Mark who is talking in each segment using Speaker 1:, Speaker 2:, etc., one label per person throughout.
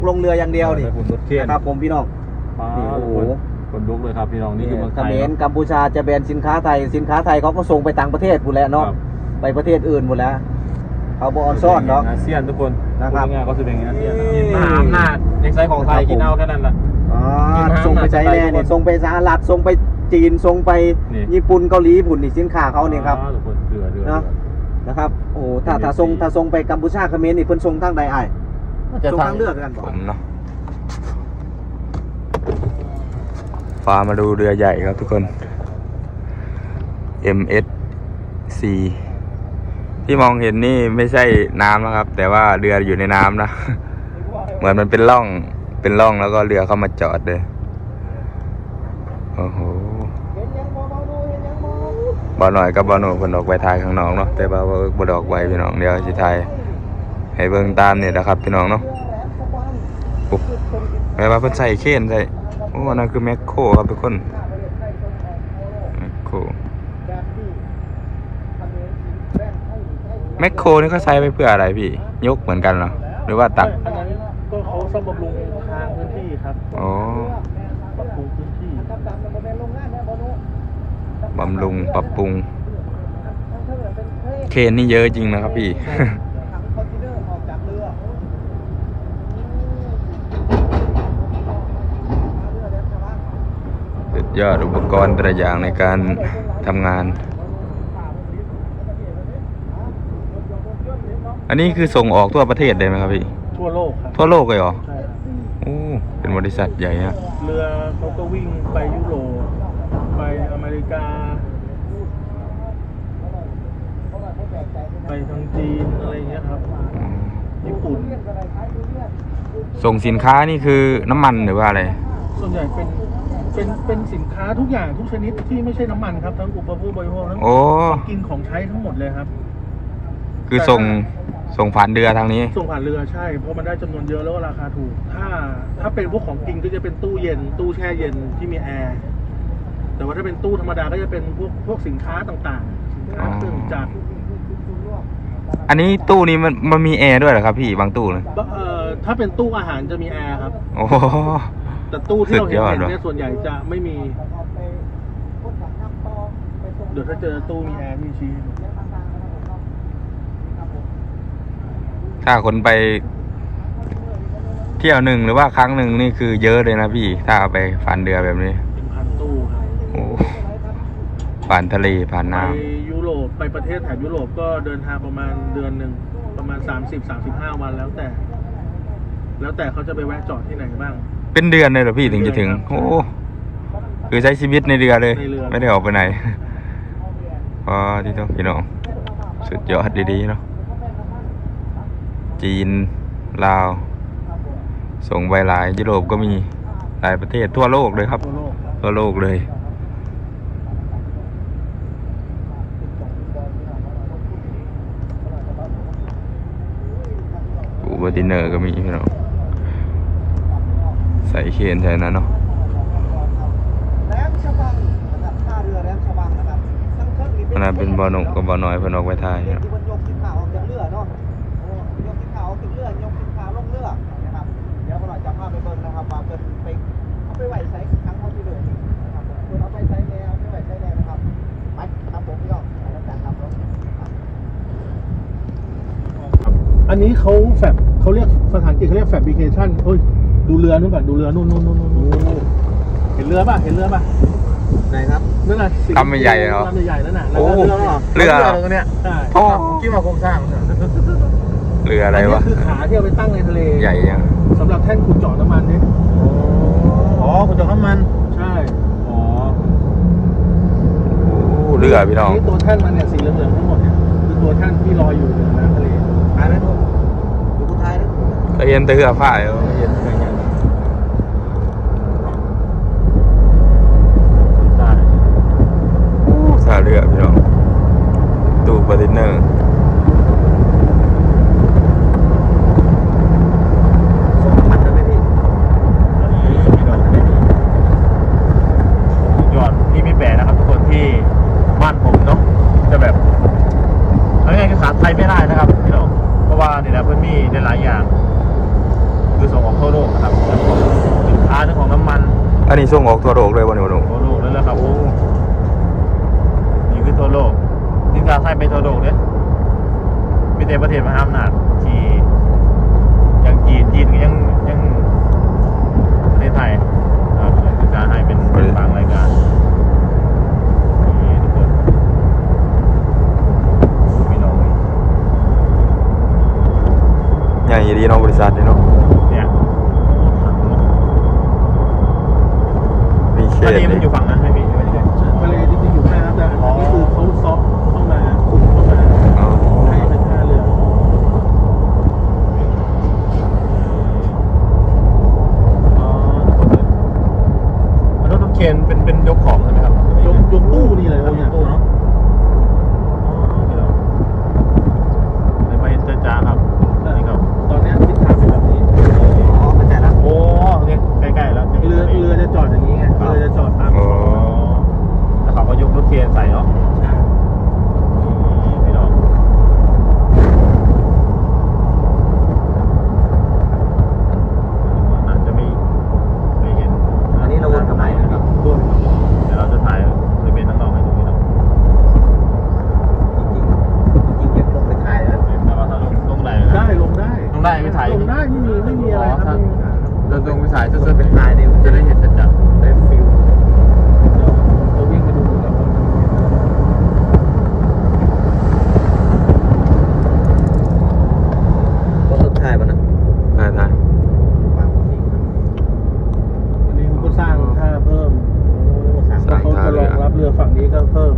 Speaker 1: ลงเรืออย่างเดียวนี่
Speaker 2: ฝุ่นรถเทียน
Speaker 1: ครับผมพี่น้องนี่โอ้โห
Speaker 2: คนลุกเลยครับพี่น้องนี่คือเมืองไท
Speaker 1: เข
Speaker 2: ย
Speaker 1: มรกัมพูชาจะแบนสินค้าไทยเขาก็ส่งไปต่างประเทศหมดแล้วเนาะไปประเทศอื่นหมดแล้วเขาบออนซ่อนเนาะ
Speaker 2: อาเซียนทุกคน
Speaker 1: นะครับ
Speaker 2: ง่ายๆก็จะเป็นอาเซียนมหาอำนาจในไซส์ของไทยกินเอาแค่นั้นแหละ
Speaker 1: ส่งไปไชน่าเนี่ยส่งไปสหรัฐส่งไปจีนส่งไปญี่ปุ่นเกาหลีญี่ปุ่นนี่สินค้าเขาเนี่ยครับ
Speaker 2: ทุกคนเรือ
Speaker 1: เนาะนะครับโอ้ถ้าส่งไปกัมพูชาเขมรนี่เพิ่นส่งทางใดอ้ายส่งทางเลือกกันบ่
Speaker 3: ผมเนาะฟ้ามาดูเรือใหญ่ครับทุกคน MSC ที่มองเห็นนี่ไม่ใช่น้ำนะครับแต่ว่าเรืออยู่ในน้ำนะ เหมือนมันเป็นร่องแล้วก็เรือเข้ามาจอดเลยโอ้โหบ่หน่อยกับบ่หนูเพิ่นออกไปถ่ายข้างนอกเนาะแต่ว่าบ่ดอกไว้พี่น้องเดี๋ยวสิถ่ายให้เบิ่งตามนี่นะครับพี่น้องเนาะปุ๊บแม้ว่าเพิ่นใส่เคนใส่โอ้นั่นคือแมคโครครับทุกคนแมคโครนี่เขาใช้ไปเพื่ออะไรพี่ยกเหมือนกันเหรอหรือว่าตัก
Speaker 2: อันนั้นก็เขาซ่อมบำรุงทางพื้นที่ครับ
Speaker 3: อ๋อ
Speaker 2: ปรับปรุงพื้นที่
Speaker 3: บำรุงปรับปรุงเคนนี่เยอะจริงนะครับพี่ สุดยอดอุปกรณ์แต่ละอย่างในการทำงานอันนี้คือส่งออกทั่วประเทศได้ไหมครับพี่
Speaker 2: ทั่วโลกครับ
Speaker 3: ทั่วโลกเลยเหรอ
Speaker 2: ใช่ครับ
Speaker 3: โอ้เป็นบริษัทใหญ่ฮะ
Speaker 2: เรือเขาก็วิ่งไปยุโรปไปอเมริกาไปทางจีนอะไรอย่างเงี้ยครับญี่ปุ่น
Speaker 3: ส่งสินค้านี่คือน้ำมันหรือว่าอะไร
Speaker 2: ส่วนใหญ่เป็นสินค้าทุกอย่างทุกชนิดที่ไม่ใช่น้ำมันครับทั้งอุปโภคบริโภคทั้งของกินของใช้ทั้งหมดเลยครับ
Speaker 3: คือส่งผ่านเรือทางนี้
Speaker 2: ส่งผ่านเรือใช่เพราะมันได้จำนวนเยอะแล้วก็ราคาถูกถ้าเป็นพวกของกินก็จะเป็นตู้เย็นตู้แช่เย็นที่มีแอร์แต่ว่าถ้าเป็นตู้ธรรมดาก็จะเป็นพวกสินค้าต่างๆสินค้าเครื่องจักร
Speaker 3: อันนี้ตู้นี้มันมีแอร์ด้วยเหรอครับพี่บางตู้เลย
Speaker 2: ถ้าเป็นตู้อาหารจะมีแอร์ครับ
Speaker 3: โอ้
Speaker 2: แต่ตู้ที่เราเห็นเนี่ยส่วนใหญ่จะไม่มีเดี๋ยวถ้าเจอตู้มีแอร์มีชี้
Speaker 3: ถ้าคนไปเที่ยวหนึ่งหรือว่าครั้งหนึ่งนี่คือเยอะเลยนะพี่ถ้าเอาไปผ่านเรือแบบนี้
Speaker 2: เป็นพันตู้ครับ
Speaker 3: โอ้ผ่านทะเลผ่านน้ำ
Speaker 2: ไปยุโรปไปประเทศแถบยุโรปก็เดินทางประมาณเดือนหนึ่งประมาณ30-35 วันแล้วแต่เขาจะไปแวะจอดที่ไหนบ้าง
Speaker 3: เป็นเดือนเลยเหรอพี่ถึงจะถึงโอ้คือใช้ชีวิตในเรือเลยไม่ได้ออกไปไหนพอที่ต้องพี่น้องสุดยอดดีๆเนาะจีนลาวส่งไปหลายยุโรปก็มีหลายประเทศทั่วโลกเลยครับทั่วโลกเลยอูเบอร์ติเนอร์ก็มีพี่น้องใส่เคนใช่นั้นเนาะขนาดเป็นบอลหนุ่มกับบอลน้อยเพิ่นออกไปทาย
Speaker 2: อันนี้เขาเรียกภาษาอังกฤษเขาเรียกfabrication เฮ้ยดูเรือนู่นก่อนดูเรือนู่นเห็นเรือป่ะ
Speaker 1: ไหนครับ
Speaker 2: นั่นน่ะ
Speaker 3: ลำใหญ่เหรอ
Speaker 2: ลำใหญ่นั่นน่ะ
Speaker 3: โอ้เรือ
Speaker 2: เนี่ยใช่คิดว่าโครงสร้าง
Speaker 3: เรืออะไรวะ
Speaker 2: คือขาที่เอาไปตั้งในทะเล
Speaker 3: ใหญ่ยัง
Speaker 2: สำหรับแท่นขุดเจาะน้ำมันนี่ขุดเจาะน้ำมันใช่
Speaker 3: เรือพี่น้อง
Speaker 2: นี่ตัวแท่นมันเนี่ยสีเหลืองๆทั้งหมดเนี่ยคือตัวแท่นที่ลอยอยู่ในน้ำทะเล
Speaker 1: หายไหมทุกดูผู้ชายนะ
Speaker 3: ก็เย็นแต่เรือฝ้ายเย็นซาเรือพี่น้องตู้คอนเทนเนอร์
Speaker 2: ยอดที่ไม่แปลนะครับทุกคนที่บ้านผมเนาะจะแบบเอาง่ายๆภาษาไทยไม่ได้นะครับพี่น้องเพราะว่าเนี่ยนะเพื่อนมีในหลายอย่างคือส่งออกทั่วโลก
Speaker 3: อันนี้ส่งออกทั่วโลกเลยบ่เนี่ยบ่หนู
Speaker 4: ทั่วโลกเลยแหละครับโอ้นี่คือทั่วโลกสินค้าไทยไปทั่วโลกเนี่ยมีแต่ประเทศมหาอำนาจที่ยังจีนก็ยังประเทศไทยครับสินค้าไทยเป็นบางรายการนี่ทุกคนพี่น้อง
Speaker 3: ใหญ่ดีเนาะบริษัทนี่เนาะ
Speaker 4: เนี่ยโอ้ถังเนาะ
Speaker 3: มีเข
Speaker 4: อัน
Speaker 3: ต
Speaker 4: นี้มันอยู่ฝั่งนั้นไหมพี่ไม่ได้
Speaker 2: ทะเลจริงๆอยู่แค่นั้นแต่อันนี้คือเขาซอฟเข้ามาคุมเข้ามา
Speaker 3: อ๋อ
Speaker 2: ให้เป็นท่าเรือ
Speaker 4: อ๋อมันรถเคนเป็นยกของใช่ไหมครับ
Speaker 2: ยกตู้นี่เลยครับเนี่ย
Speaker 4: ตู้เนาะในมาเห็นจ้าครับนี่ครับ
Speaker 2: ตอนเนี้ยทิศทางเป็นแบบนี้
Speaker 1: อ๋อเข้าใจละ
Speaker 4: โอ้โอเคใกล้ๆแล้ว
Speaker 2: เรือจะจอดอย่างนี้ไงเรือจะจอดตาม
Speaker 3: อ๋อ
Speaker 4: แล้วเขาก็ยกรถเคนใส่เนาะพี่น้องอาจจะไม่เห็น
Speaker 1: อันนี้เราวนกลับไปนะครับ
Speaker 2: ตัว
Speaker 4: เดี๋ยวเราจะถ่ายบริเวณข้างนอกให้ดูพี่น้อง
Speaker 1: จริงๆเก็บลงไปถ่ายแล้ว
Speaker 4: แต่ว่าถ้าลงได้
Speaker 2: ได้ลงได้
Speaker 4: ลงได้ไม่ถ่าย
Speaker 2: ลงได้ไม่มีอะไรครับ
Speaker 4: เดินตรงไปถ่ายจะเป็นถ่ายเนี่ยจะได้เห็นจัดๆได้ฟิล
Speaker 2: เดี๋ยวเราวิ่งไปดูกันว่า
Speaker 1: ก็สุดท้ายป่ะนะ
Speaker 3: ได้ได้
Speaker 2: อันนี้เขาก็สร้างท่าเพิ่ม
Speaker 3: สร้าง
Speaker 2: เขา
Speaker 3: ท่า
Speaker 2: จะ
Speaker 3: เรือ
Speaker 2: รองรับเรือฝั่งนี้ก็เพิ่ม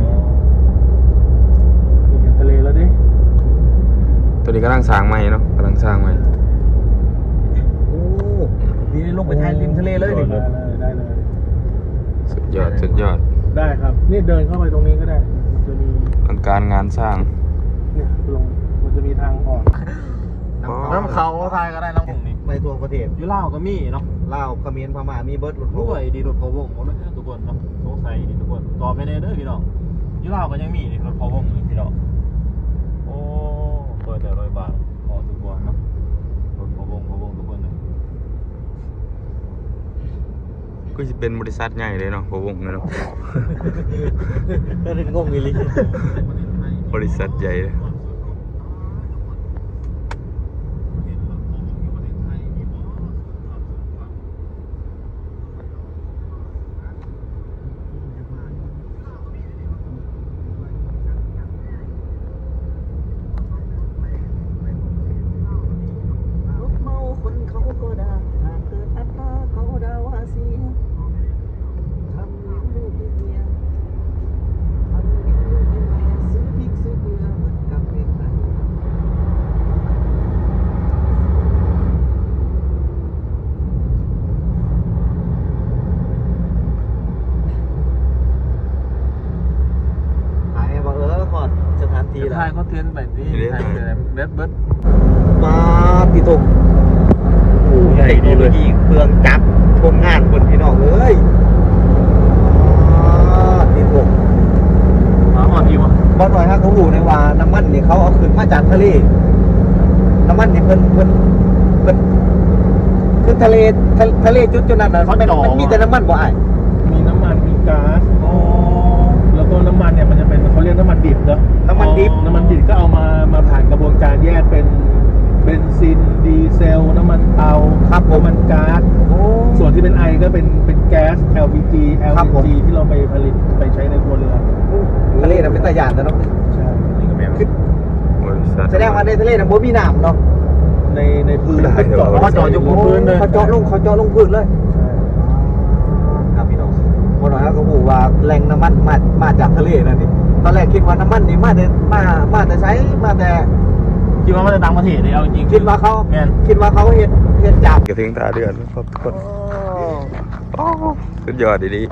Speaker 2: เห็นทะเลแล้วดิ
Speaker 3: ตัวนี้กำลังสร้างใหม่เนาะกำลังสร้างใหม่
Speaker 1: โอ้ดีลงไปถ่ายริมทะเลเลยนี่
Speaker 2: ได้เลย
Speaker 3: สุดยอดสุดยอด
Speaker 2: ได้ครับ นี่เดินเข้าไปตรงนี้ก็ได้ มันจะมี
Speaker 3: อลังการงานสร้าง
Speaker 2: เนี่ยลงมันจะมีทางออก
Speaker 4: น้ำเขาถ่ายก็ได้น้ำผงนี่
Speaker 1: ไปทั่วประเทศ
Speaker 4: ยูเล่าวก็มีเนาะ
Speaker 1: ลาวเขมรพม่ามีเบิร์ดรถ
Speaker 4: ด้วยดีรถพะวงหมดเลยทุกคนเนาะสงสัยดีทุกคนตอบไปในเด้อพี่น้องยูเล่าวก็ยังมีนี่รถพะวงนี่พี่น้องโอ้เปิดแต่100 บาทพอทุกคนเนาะรถพะวงทุกคนเลย
Speaker 3: ก็จะเป็นบริษัทใหญ่เลยเนาะพะวงเลยเนาะ
Speaker 1: ก็ถึงงงอีหลี
Speaker 3: บริษัทใหญ่เลย
Speaker 1: รถเมาคนเขาก็ด่าหากเกิดอัตราเขาด่าว่าเสียทำเลี้ยงลูกเลี้ยงเมียทำเลี้ยงลูกเลี้ยงเมียซื้อพริกซื้อเกลือเหมือนกับเพลงไทยหายบอกขอดสถานที่แล้ว
Speaker 4: ถ่ายเขาเทนแบบนี้ถ่ายเบิร์ด
Speaker 1: มาติตก
Speaker 4: ใหญ่
Speaker 1: เทค
Speaker 4: ดี
Speaker 1: โนโล
Speaker 4: เลย
Speaker 1: ยีเครื่องจักรโรงงานคนพี่น้องเอ้ยติตก
Speaker 4: มาหอดดีวะ
Speaker 1: บ่หน่อยฮะเขาหูในว่าน้ำมันนี่เขาเอาขึ้นมาจากทะเลน้ำมันนี่เพิ่นคือทะเลจุดนั้นน่ะมันมีแต่น้ำมันบ่อ้าย
Speaker 2: มีน้ำมันมีก๊าซ
Speaker 4: โอ้
Speaker 2: แล้วก็น้ำมันเนี่ยมันจะเป็นเขาเรียกน้ำมันดิบเนอะ
Speaker 1: น้ำมันดิบ
Speaker 2: น้ำมันดิบก็เอามาผ่านกระบวนการแยกเป็นเบนซินดีเซล น้ำมันเตา
Speaker 1: ครับผม
Speaker 2: น้ำมันก๊าซ
Speaker 1: โอ้
Speaker 2: ส่วนที่เป็นไอก็เป็นแก๊ส LPG
Speaker 1: ครับผม
Speaker 2: LNG ที่เราไปผลิตไปใช้ในครัวเรือน
Speaker 1: ทะเลน่ะเป็นตะยานแต่เนาะ
Speaker 2: ใช่
Speaker 4: นี่ก็แม่น
Speaker 3: บริษัท
Speaker 1: แสดงว่าในทะเลน่ะบ่มีน้ำเนาะ
Speaker 2: ในพื้น
Speaker 3: ได้เดี๋ยว
Speaker 4: เขาจอดอยู่บนพื้นเลย
Speaker 1: เขาเจาะลงพื้นเลย
Speaker 2: ใช่
Speaker 1: ครับพี่น้องบ่หน่อยฮะเขาหูว่าแหล่งน้ำมันมาจากทะเลนั่นนี่ตอนแรกคิดว่าน้ำมันนี่มาแต่ใช้มาแต่
Speaker 4: คิดว่ามันจะดังประเทศเลยเอาจริง
Speaker 1: คิดว่าเขา
Speaker 4: แม่น
Speaker 1: เฮ็ดจับ
Speaker 3: กระถึงตาเดือนแล้วครับทุกคนโอ้สุดยอดดี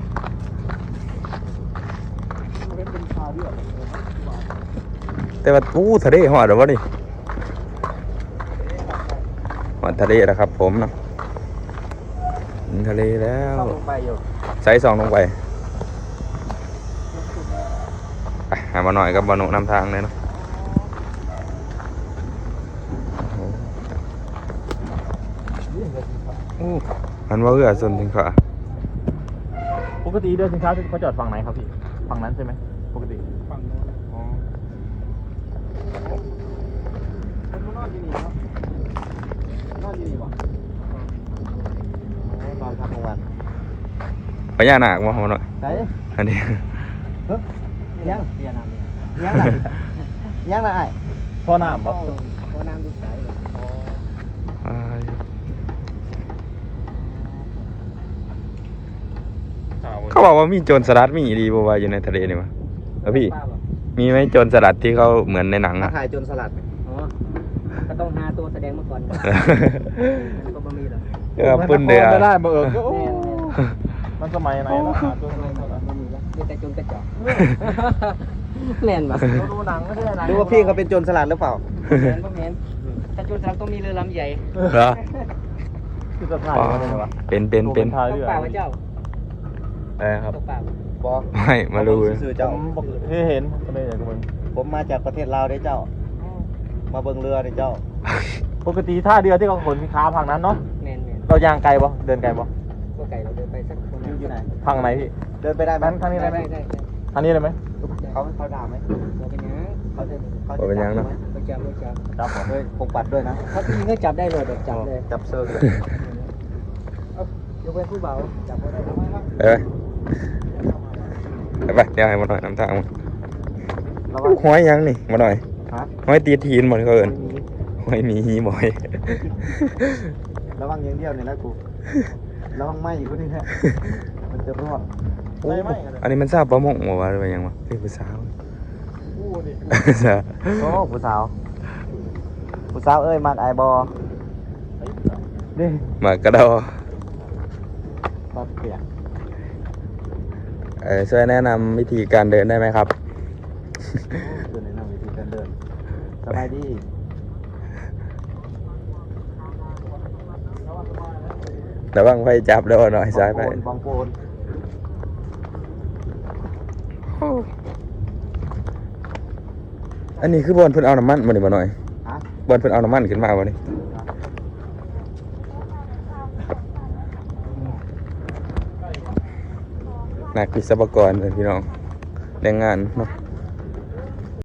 Speaker 3: ๆแต่ว่าทะเลหอดหรือวะนี่หอดทะเลแล้วครับผมเนาะถึงทะเลแล้ว
Speaker 1: ลงไปอยู่
Speaker 3: ใส่ซองลงไปไปหามาหน่อยกับบอนุนำทางเลยเนาะโอ้มันว่าเอื้อส่วนถึงขา
Speaker 4: ปกติเดินสินค้าเขาจอดฝั่งไหนครับพี่ฝั่งนั้นใช่ไหมปกติ
Speaker 2: ฝั่งโน้น
Speaker 4: อ๋อ
Speaker 1: คนนอนที่นี่เนาะนอนที่นี่บ่นอนพักกลางวัน
Speaker 3: พญานาคมาหน่อย
Speaker 1: ไหน
Speaker 3: อันนี้
Speaker 1: ยังยังไรยังไร
Speaker 4: พ่อน้ำบ่
Speaker 1: พอน้ำดูใส
Speaker 3: เขาบอกว่ามีโจรสลัดมีดีบ่ว่าอยู่ในทะเลนี่วะแล้วพี่มีไหมโจรสลัดที่เขาเหมือนในหนัง
Speaker 1: มา
Speaker 3: อ่ะ
Speaker 1: ถ่ายจนสลัดอ๋อก็ต้องหาตัวแสดงมาก่อนก็บ่มีหรอก
Speaker 3: เออปุ่นเดือ
Speaker 4: ไม่ได้บ่เอิกก็
Speaker 1: แม่
Speaker 4: มันสมัยไหนแล้วหาตัวไหน
Speaker 1: บ่มีแล้วมีแต่จนกระจอกแม่นบ่
Speaker 4: ดูหนังไม่ใช่หนัง
Speaker 1: ดูว่าพี่เขาเป็นโจรสลัดหรือเปล่า
Speaker 5: แม่นบ่แม่นถ้าจุดเราต้องมีเรือลำใหญ่
Speaker 3: เหรอ
Speaker 4: คือจะถ่ายอะไรวะ
Speaker 3: เป็น
Speaker 4: ถ่าย
Speaker 5: ต
Speaker 4: เรื
Speaker 5: ก
Speaker 4: อ
Speaker 5: ปลาพระเจ้า
Speaker 3: ครับ
Speaker 5: ตกปลา
Speaker 1: บอ
Speaker 3: ไม่มาดูเลย
Speaker 1: สื่อ
Speaker 4: ผ
Speaker 1: เจ้าม
Speaker 4: บอกเห็นก็เลยอยากดูมัน
Speaker 1: ผมมาจากประเทศลาวได้เจ้า มาเบิ่งเรือได้เจ้า
Speaker 4: ปกติท่าเรือที่เขาขนสินค้าพังนั้นเนาะ
Speaker 5: แม่น
Speaker 4: เรายางไกลบ่เดินไกลบ่
Speaker 5: ก็ไก่เราเดินไปสักคน
Speaker 1: อยู่ไหน
Speaker 4: พังไหนพี่
Speaker 1: เดินไปได้ไหม
Speaker 4: ทางนี้ได้ไหม
Speaker 5: ได้
Speaker 4: ทางนี้ได้ไหม
Speaker 1: เขาด่าไหม
Speaker 5: บ่เป็นหยัง
Speaker 1: เขาจะ
Speaker 3: บ่เป็นหยังเนอะ
Speaker 5: บ่จับ
Speaker 4: จับบ่
Speaker 1: ด้วยพกปัดด้วยนะ
Speaker 5: ถ้าพี่ก็จับได้เลยแบบจับเลย
Speaker 1: จับเซิร์ฟเลย
Speaker 5: ยกเว้นผู้เบาจับบ่ได้
Speaker 3: ไปเดี๋ยวให้มาหน่อยน้ำทางมา
Speaker 1: ระวัง
Speaker 3: ห้อยยังนี่มาหน่อย
Speaker 1: ฮะ
Speaker 3: ห้อยตีทีนหมดเขาเอินห้อยมีหีบ่อย
Speaker 1: ระวังอย่างเดียวเนี่ยนะกูระวังไหมอยู่คนนี้แหละมันจะรอด
Speaker 3: อันนี้มันทราบประมงบ่วะหรือว่าหยังวะเป็นผู้สาว
Speaker 4: อู้ดิ
Speaker 1: โอ้ผู้สาวผู้สาวเอ้ยมักไอบอนี่
Speaker 3: มากระดอ
Speaker 1: ตัดเปียก
Speaker 3: ช่วยแนะนำวิธีการเดินได้ไหมครับ
Speaker 1: เดินในนั่งวิธีการเดินสบายดี
Speaker 3: ระวังไฟจับแล้วหน่อยซ้ายไป
Speaker 1: บางโปน
Speaker 3: อันนี้คือบอลเพิ่นเอาน้ำมันมาดิมาหน่อย
Speaker 1: ฮะ
Speaker 3: บอลเพิ่นเอาน้ำมันขึ้นมาบ่นี่นักวิศวกรเพิ่นพี่น้องแรงงานเนาะ